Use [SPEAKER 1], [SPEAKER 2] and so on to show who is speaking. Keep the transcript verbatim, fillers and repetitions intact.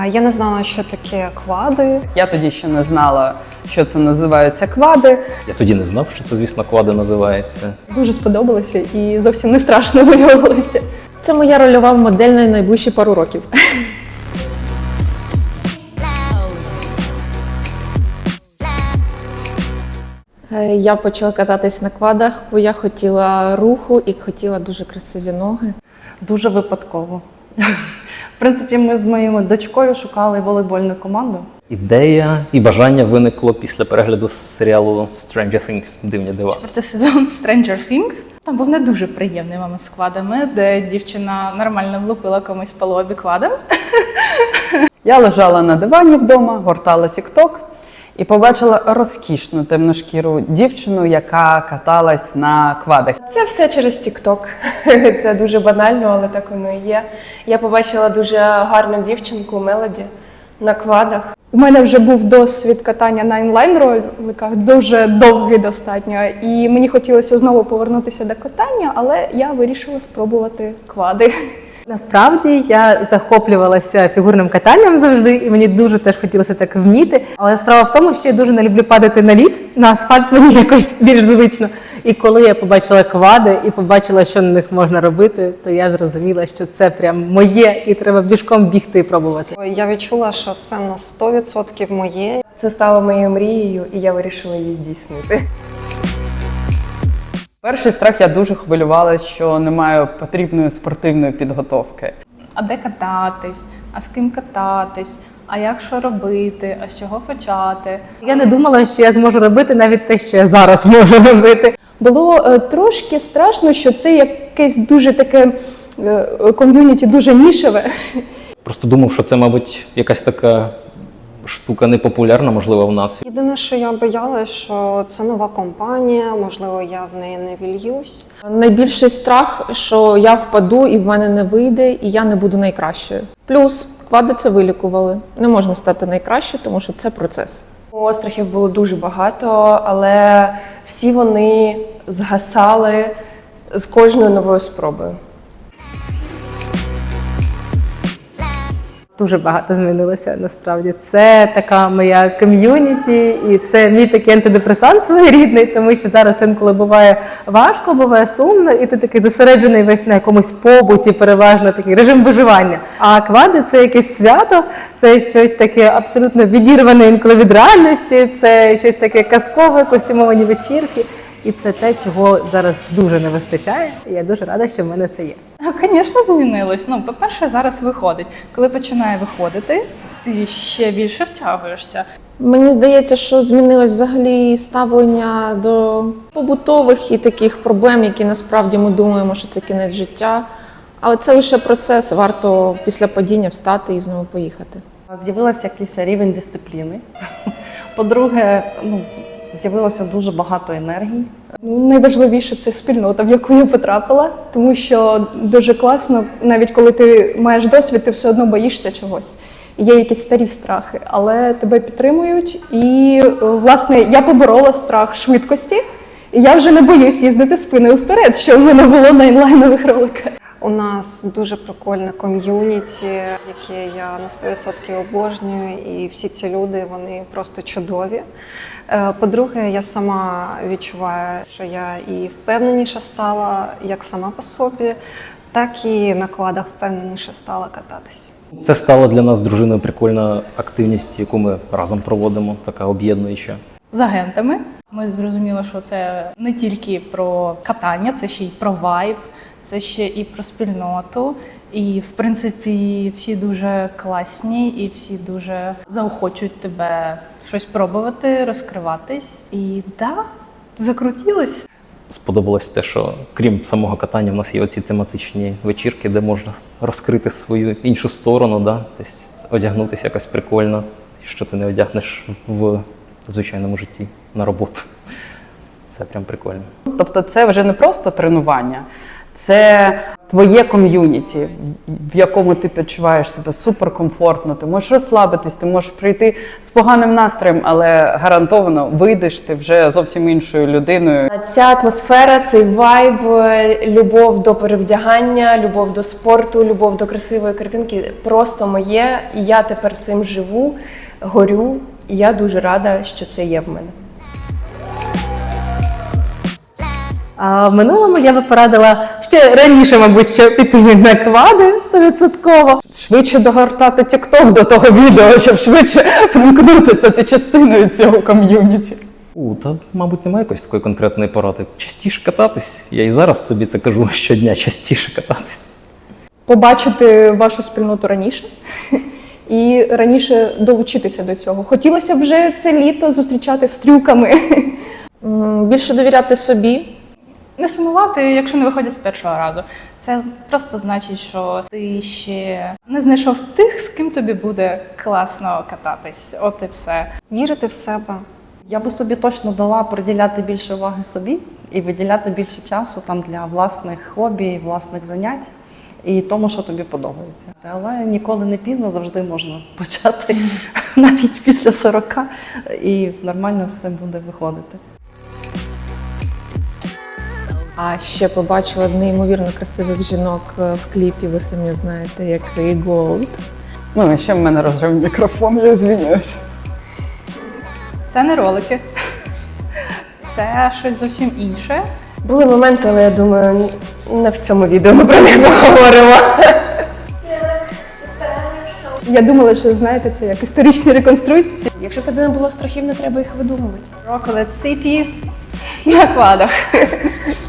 [SPEAKER 1] Я не знала, що таке квади.
[SPEAKER 2] Я тоді ще не знала, що це називаються квади.
[SPEAKER 3] Я тоді не знав, що це, звісно, квади називається.
[SPEAKER 4] Дуже сподобалося і зовсім не страшно виявилося.
[SPEAKER 5] Це моя рольова модель на найближчі пару років. Я почала кататись на квадах, бо я хотіла руху і хотіла дуже красиві ноги.
[SPEAKER 6] Дуже випадково. В принципі, ми з моєю дочкою шукали волейбольну команду.
[SPEAKER 3] Ідея і бажання виникло після перегляду серіалу Stranger Things «Дивні дива».
[SPEAKER 7] Четвертий сезон Stranger Things. Там був не дуже приємний момент з квадами, де дівчина нормально влупила комусь по лобі квадом.
[SPEAKER 2] Я лежала на дивані вдома, гортала тік-ток і побачила розкішну темношкіру дівчину, яка каталась на квадах.
[SPEAKER 4] Це все через тік-ток. Це дуже банально, але так воно і є. Я побачила дуже гарну дівчинку Мелоді на квадах. У мене вже був досвід катання на інлайн-роликах, дуже довгий достатньо. І мені хотілося знову повернутися до катання, але я вирішила спробувати квади.
[SPEAKER 8] Насправді я захоплювалася фігурним катанням завжди, і мені дуже теж хотілося так вміти. Але справа в тому, що я дуже не люблю падати на лід, на асфальт мені якось більш звично. І коли я побачила квади і побачила, що на них можна робити, то я зрозуміла, що це прям моє, і треба бігом бігти і пробувати.
[SPEAKER 1] Я відчула, що це на сто відсотків моє.
[SPEAKER 4] Це стало моєю мрією, і я вирішила її здійснити.
[SPEAKER 2] Перший страх, я дуже хвилювалася, що не маю потрібної спортивної підготовки.
[SPEAKER 7] А де кататись? А з ким кататись? А як що робити? А з чого почати?
[SPEAKER 8] Я не думала, що я зможу робити навіть те, що я зараз можу робити.
[SPEAKER 4] Було е, трошки страшно, що це якесь дуже таке е, ком'юніті, дуже нішеве.
[SPEAKER 3] Просто думав, що це, мабуть, якась така штука непопулярна, можливо, в нас.
[SPEAKER 1] Єдине, що я боялася, що це нова компанія, можливо, я в неї не вільюсь.
[SPEAKER 5] Найбільший страх, що я впаду і в мене не вийде, і я не буду найкращою. Плюс квади це вилікували. Не можна стати найкращою, тому що це процес.
[SPEAKER 4] Острахів було дуже багато, але всі вони згасали з кожною новою спробою.
[SPEAKER 8] Дуже багато змінилося, насправді. Це така моя ком'юніті, і це мій такий антидепресант своєрідний, тому що зараз інколи буває важко, буває сумно, і ти такий зосереджений весь на якомусь побуті, переважно такий режим виживання. А квади – це якесь свято, це щось таке абсолютно відірване інколи від реальності, це щось таке казкове, костюмовані вечірки. І це те, чого зараз дуже не вистачає, і я дуже рада, що в мене це є.
[SPEAKER 7] Звісно, змінилось. Ну, по-перше, зараз виходить. Коли починає виходити, ти ще більше втягуєшся.
[SPEAKER 5] Мені здається, що змінилось взагалі ставлення до побутових і таких проблем, які насправді ми думаємо, що це кінець життя. Але це лише процес, варто після падіння встати і знову поїхати.
[SPEAKER 6] З'явився якийсь рівень дисципліни. По-друге, ну, з'явилося дуже багато енергії.
[SPEAKER 4] Ну, найважливіше – це спільнота, в яку я потрапила, тому що дуже класно, навіть коли ти маєш досвід, ти все одно боїшся чогось. Є якісь старі страхи, але тебе підтримують. І, власне, я поборола страх швидкості, і я вже не боюсь їздити спиною вперед, що в мене було на інлайнових роликах.
[SPEAKER 1] У нас дуже прикольне ком'юніті, яке я на сто відсотків обожнюю, і всі ці люди, вони просто чудові. По-друге, я сама відчуваю, що я і впевненіше стала, як сама по собі, так і на квадах впевненіше стала кататись.
[SPEAKER 3] Це стала для нас з дружиною прикольна активність, яку ми разом проводимо, така об'єднуюча.
[SPEAKER 7] З агентами ми зрозуміли, що це не тільки про катання, це ще й про вайб, це ще і про спільноту. І, в принципі, всі дуже класні і всі дуже заохочують тебе щось пробувати, розкриватись. І так, да, закрутилось.
[SPEAKER 3] Сподобалось те, що крім самого катання, в нас є оці тематичні вечірки, де можна розкрити свою іншу сторону, да? Десь одягнутися якось прикольно, що ти не одягнеш в звичайному житті на роботу. Це прям прикольно.
[SPEAKER 2] Тобто це вже не просто тренування, Це твоє ком'юніті, в якому ти почуваєш себе суперкомфортно. Ти можеш розслабитись, ти можеш прийти з поганим настроєм, але гарантовано вийдеш ти вже зовсім іншою людиною.
[SPEAKER 9] Ця атмосфера, цей вайб, любов до перевдягання, любов до спорту, любов до красивої картинки просто моє. І я тепер цим живу, горю, і я дуже рада, що це є в мене.
[SPEAKER 8] А в минулому я би порадила ще раніше, мабуть, що піти на квади стовідсотково.
[SPEAKER 2] Швидше догортати TikTok до того відео, щоб швидше примкнути, стати частиною цього ком'юніті.
[SPEAKER 3] У, та, мабуть, немає якоїсь такої конкретної поради. Частіше кататись. Я і зараз собі це кажу щодня, частіше кататись.
[SPEAKER 4] Побачити вашу спільноту раніше і раніше долучитися до цього. Хотілося б вже це літо зустрічати з трюками.
[SPEAKER 5] М, Більше довіряти собі.
[SPEAKER 7] Не сумувати, якщо не виходять з першого разу. Це просто значить, що ти ще не знайшов тих, з ким тобі буде класно кататись. От і все.
[SPEAKER 1] Вірити в себе.
[SPEAKER 6] Я би собі точно дала приділяти більше уваги собі і виділяти більше часу там для власних хобі, власних занять і тому, що тобі подобається. Але ніколи не пізно, завжди можна почати навіть після сорока, і нормально все буде виходити.
[SPEAKER 5] А ще побачила неймовірно красивих жінок е, в кліпі, ви самі знаєте, як Ray Gold.
[SPEAKER 2] Ну, і ще в мене розрив мікрофон, я звиняюсь.
[SPEAKER 7] Це не ролики. Це щось зовсім інше.
[SPEAKER 9] Були моменти, але я думаю, не в цьому відео ми про них поговоримо.
[SPEAKER 4] Я думала, що знаєте, це як історичні реконструкції.
[SPEAKER 9] Якщо в тебе не було страхів, не треба їх видумувати.
[SPEAKER 7] Rocklet City на квадах.